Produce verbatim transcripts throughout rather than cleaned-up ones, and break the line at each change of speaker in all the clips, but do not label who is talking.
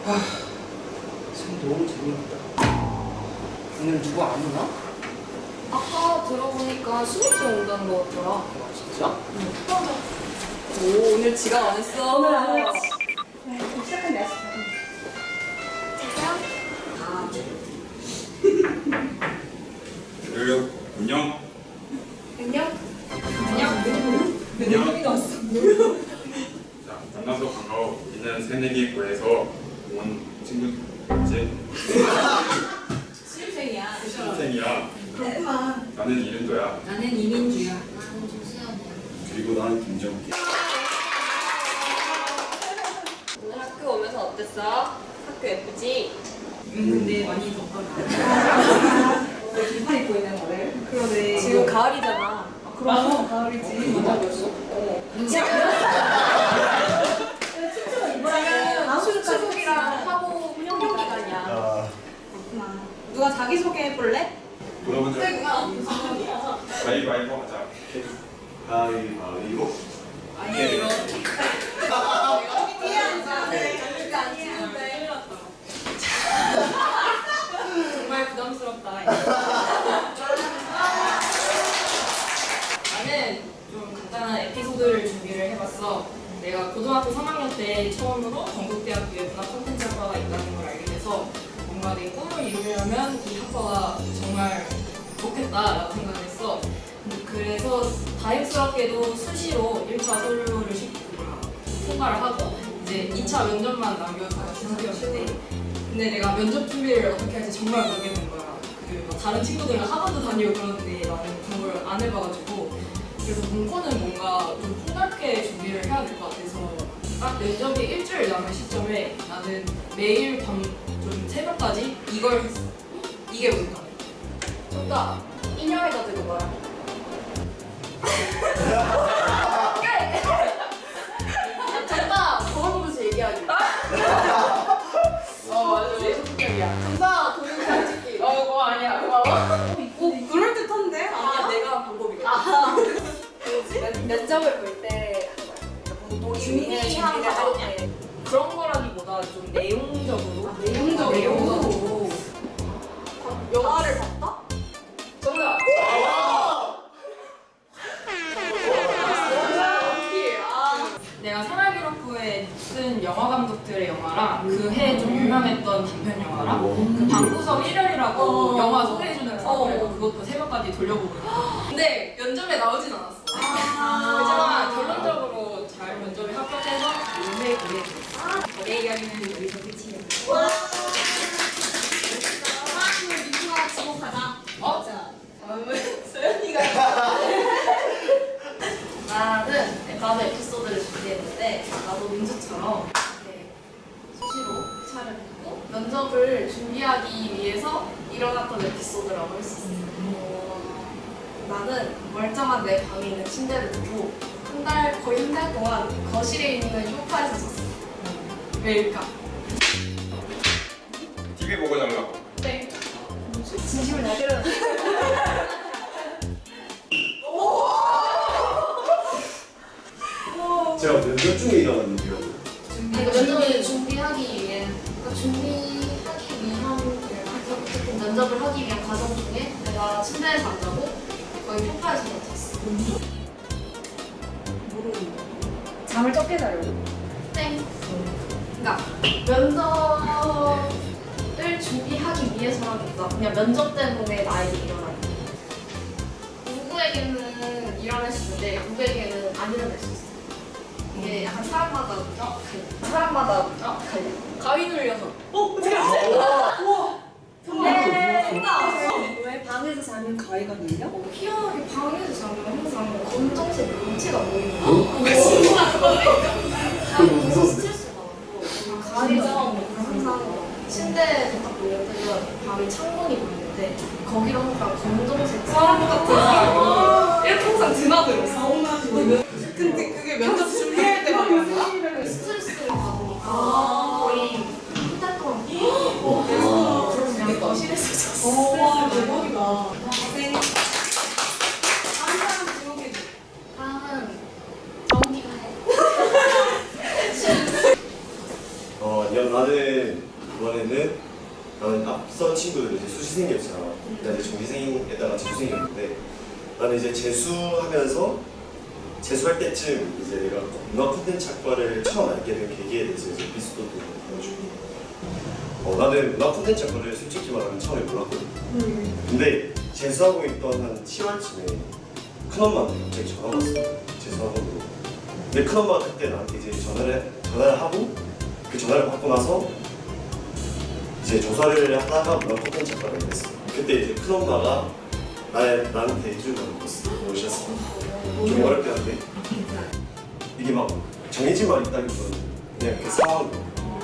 아, 참 너무 재미없다. 오늘 누구 안 오나?
아까 들어보니까 신입생 온다는 거 같더라.
아, 진짜?
응. 오, 오늘 지각 안 했어.
오늘 안 했지. 네, 시작한 날씨.
아,
그래요. 안녕.
안녕?
안녕.
안녕.
왔어.
자, 만나서 반가워. 우리는 새내기고에서 온 친구지.
신입생이야.
신생이야.
그렇구만.
나는 이른도야.
나는 이민주야.
나는 조수연이야.
그리고 나는 김정기.
오늘 학교 오면서 어땠어? 학교 예쁘지?
응, 근데 많이 덥더라. 왜 긴팔 입고 있는 거래? 그러네.
지금 가을이잖아.
아, 그럼 가을이지.
맞아 벌써? 어. 지금 수축이랑 하고 훈련 기간이야.
아,
그렇구나. 누가 자기소개 해볼래?
물어본 적 가위바위보 하자. 가위바위보.
아니, 이거. 정말 부담스럽다. 나는 좀 간단한 에피소드를 준비를 해봤어. 내가 고등학교 삼 학년 때 처음으로 전국대학교에 문화 콘텐츠 학과가 있다는 걸 알게 돼서 뭔가 내 꿈을 이루려면 이 학과가 정말 좋겠다라고 생각을 했어. 그래서 다행스럽게도 수시로 일 차 서류를 시- 통과를 하고 이제 이 차 면접만 남겨서 상태였는데 근데 내가 면접 준비를 어떻게 할지 정말 모르겠는 거야. 그 다른 친구들은 학원도 다니고 그러는데 나는 그런 걸 안 해봐가지고 그래서 문과는 뭔가 좀 폭넓게 준비를 해야 될 것 같아서 딱 면접이 일주일 남은 시점에 나는 매일 밤 좀 새벽까지 이걸 했어. 이게 뭔가
정답! 인형에다 들고 뭐야? 정답! 저걸 보면서 얘기하기. 어, 맞아. 내 성격이야. 정답! 동영상 찍기. 어, 그거 아니야. 고마워.
어, 그럴듯한데?
아니야, 내가 방법이거든. 아, 뭐지? 면접을 볼 때 준비한 과정에
그런 거라기보다 좀 내용적으로
아, 내용적으로?
내용적으로
영화를 봤다? 정답!
내가 생활기록부에 쓴 영화 감독들의 영화랑 그 해 좀 유명했던 단편 영화랑 그 방구석 일렬이라고
어.
영화 소개해주는 사람이고
어.
그것도 새벽까지 돌려보고 있어. 근데 면접에 나오진 않았어.
아.
그렇지만 결론적으로 잘 면접에 합격해서 요새 그게 됐어. 내 이야기는 여기서 끝이야.
민주가 지목하자.
어?
다음은 소연이가. 나는 나도 에피소드를 준비했는데 나도 민주처럼 이렇게 수시로 차를 듣고 면접을 준비하기 위해서 일어났던 에피소드라고 할 수 있어. 어, 나는 멀쩡한 내 방에 있는 침대를 두고 한 달, 거의 한 달 동안 거실에 있는 소파에서 잤어. 왜일까?
티비 보고 자려고.
땡. 진심을 다 때려.
제가 면접 중에 일어났는데요.
그러니까 면접을 준비하기 위해, 그러니까 준비하기 위한, 어쨌든 면접을 하기 위한 과정 중에 내가 침대에서 안 자고 거의 소파에서 잤어.
잠을 적게 자려고.
땡. 그러니까 면접을 준비하기 위해서라기보다 그냥 면접 때문에 나에게 일어나는. 누구에게는 일어날 수 있는데 누구에게는 안 일어날 수 있어. 이게 약간 사람마다 갈려. 사람마다 갈려.
가위 눌려서.
왜 방에서 자면 가위가 눌려? 어, 희한하게 방에서 자면 항상 검정색 물체가 보이는 거야. 친구가 그거를 너무 스트레스 받고 가위가 항상 침대에 딱 놓여있으면 방에 창문이 보이는데 거기로 항상 검정색 사람 같은 사람이 이렇게 항상 드나들었어.
근데 그게 면접 준비할 때만 그런
스트레스를 받으니까 거의 한 달 동안 그래서 그냥 거실에서 잤어.
와, 대박이다.
다음은 정기가 해.
어, 야, 나는 정시생이었잖아. 나 이제 정시생에다가 재수생이었는데 나는 이제 재수하면서 재수할 때쯤 이제 내가 문화 콘텐츠 학과를 처음 알게 된 계기에 대해서 이제 에피소드도 보여주고 어, 나는 문화 콘텐츠 학과를 솔직히 말하면 처음에 몰랐거든. 근데 재수하고 있던 한 칠월쯤에 큰엄마한테 갑자기 전화가 왔어. 재수학원으로. 근데 큰엄마가 그때 나한테 이제 전화를 전화를 하고 그 전화를 받고 나서 이제 조사를 하다가 문화 콘텐츠 학과를 했어. 그때 이제 큰엄마가 나 나한테 해준 거였어. 오셨어. 좀 어렵게 한데 이게 막 정해진 말이 있다기보다는 그냥 그 상황.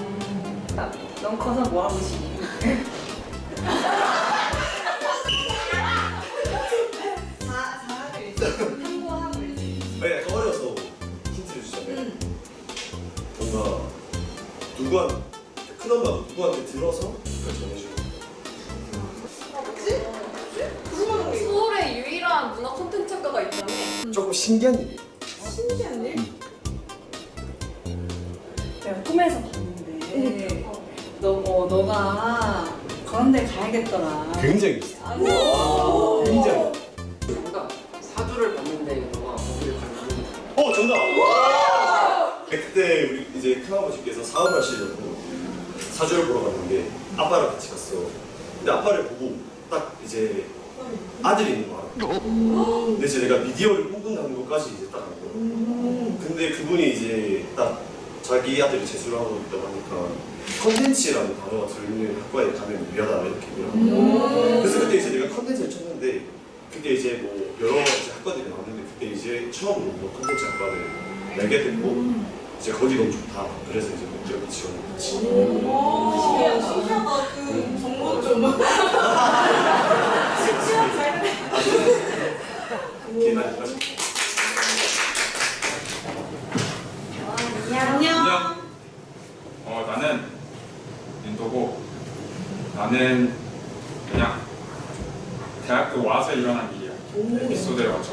넌 커서 뭐 하고 싶니?
네, 약간 어려서 힌트를 주자면 뭔가 누구한 큰엄마가 누구한테 들어서 그걸 전해주는 거야.
서울의 유일한 문화 콘텐츠 학과가 있다며?
조금 신기한 일이야.
신기한 일? 내가 꿈에서 봤는데 너, 어, 너가 그런 데 가야겠더라.
굉장히
오!
굉장히.
정답. 사주를 봤는데 너가 거기를 가는
어 정답. 네, 그때 우리 이제 큰아버지께서 사업을 하시려고 사주를 보러 갔는데 아빠랑 같이 갔어. 근데 아빠를 보고 딱 이제 아들이 있는 거 알아. 근데 이제 내가 미디어를 꿈꾼다는 것까지 이제 딱 알고. 근데 그분이 이제 딱 자기 아들이 재수를 하고 있다고 하니까 컨텐츠라는 단어가 들어있는 학과에 가면 유리하다 이렇게 얘기를. 그래서 그때 이제 내가 컨텐츠를 쳤는데 그때 이제 뭐 여러 이제 학과들이 나왔는데 그때 이제 처음으로 뭐 컨텐츠 학과를 알게 됐고 이제 거기 너무 좋다. 그래서 이제 목적이 지원을 했지.
신기하다. 신기하다. 그 정보 좀.
이게 나까지.
안녕. 어 나는 윤도고 나는 그냥 대학교 와서 일어난 일이야. 에피소드를 맞춰.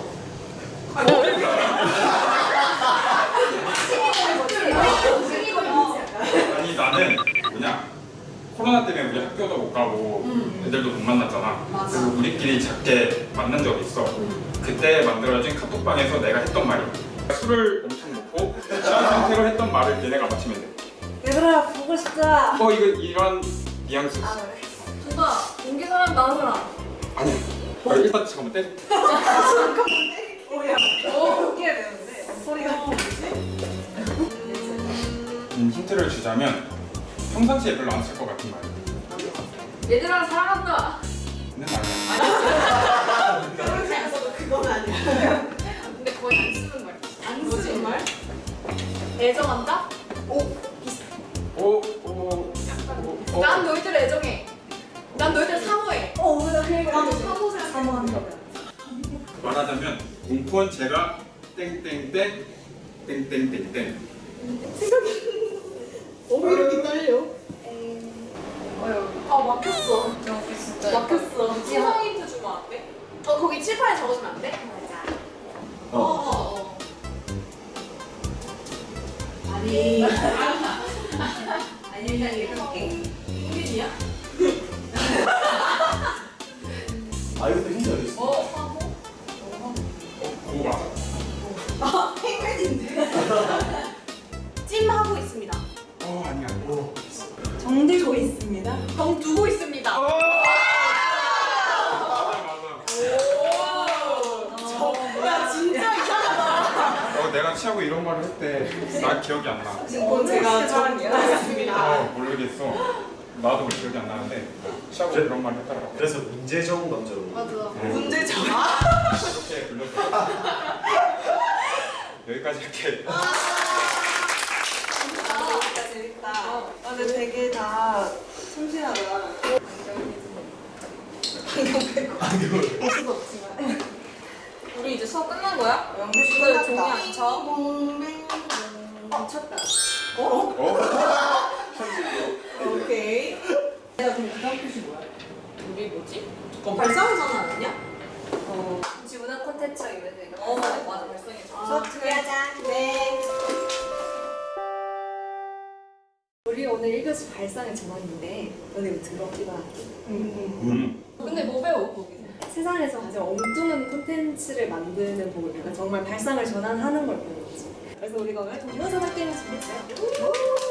아니 나는 그냥 코로나 때문에 우리 학교도 못 가고 애들도 못 만났잖아. 그래서 우리끼리 작게 만난 적이 있어. 그때 만들어진 카톡방에서 내가 했던 말이야. 술을 엄청 먹고 취한 상태로 했던 말을 걔네가 맞히면 돼.
얘들아 보고 싶다.
어 이거 이런 뉘앙스.
정답. 공개 사람 나온 사람.
아니야. 어, 일단 잠깐만 떼.
뭐야? 오 웃겨야 되는데 소리가 뭐지?
음, 힌트를 주자면 평상시에 별로 안 쓸 것 같은 말이야.
얘들아 사랑한다.
근데 아니야.
그런 생각도 그건 아니야.
근데 거의 안 쓰는 말.
안 쓰는 말?
애정한다?
오, 오, 오, 오.
난 너희들 애정해. 난 너희들 사모해.
어, 나 그래. 나도 사모생 사모한다.
말하자면 공포는 제가 땡땡땡 땡땡땡땡.
어, 이렇게 떨려?
아 막혔어.
여기 진짜
막혔어.
칠판 힌트 주면 안 돼?
어 거기 칠판에 적어주면 안 돼?
어.
어.
아니. 아니, 그냥 이렇게.
흥민이야?
아 이것도 힌트 알겠어.
어 사모?
그거 맞아.
아, 펭귄인데.
찜하고 있습니다.
어 아니야.
정들고 있습니다.
정 두고 있습니다.
맞아 맞아.
야 진짜 이상하다.
어 내가 취하고 이런 말을 했대. 나 기억이 안 나.
어, 제가 정리하겠습니다.
어 모르겠어. 나도 기억이 안 나는데 취하고
그래?
그런 말 했더라고.
그래서 문제적 남자로.
맞아.
문제죠.
이렇게 불렀어. 여기까지 할게.
재밌다, 재밌다. 아, 근데 되게 다 참신하다. 안경 빼고. 볼 수도 없지만.
우리 이제 수업 끝난 거야?
연결
이거 종이 안 쳐?
어, 쳤다.
어?
오케이. 내가 그럼 그 다음 표시 뭐야?
우리 뭐지?
발사하잖아, 아니냐?
어,
지문화 콘텐츠가 있는데 이거.
어 맞아 발성이
수업 준비하자. 네.
우리 오늘 일 교시 발상의 전환인데 너네 이거 들어? 이거
음.
음.
배워 거기서.
세상에서 가장 엉뚱한 콘텐츠를 만드는 법을 배워. 정말 발상을 전환하는 걸 배우는 거지. 그래서 우리가 오늘 동영상 게임을 준비했어요.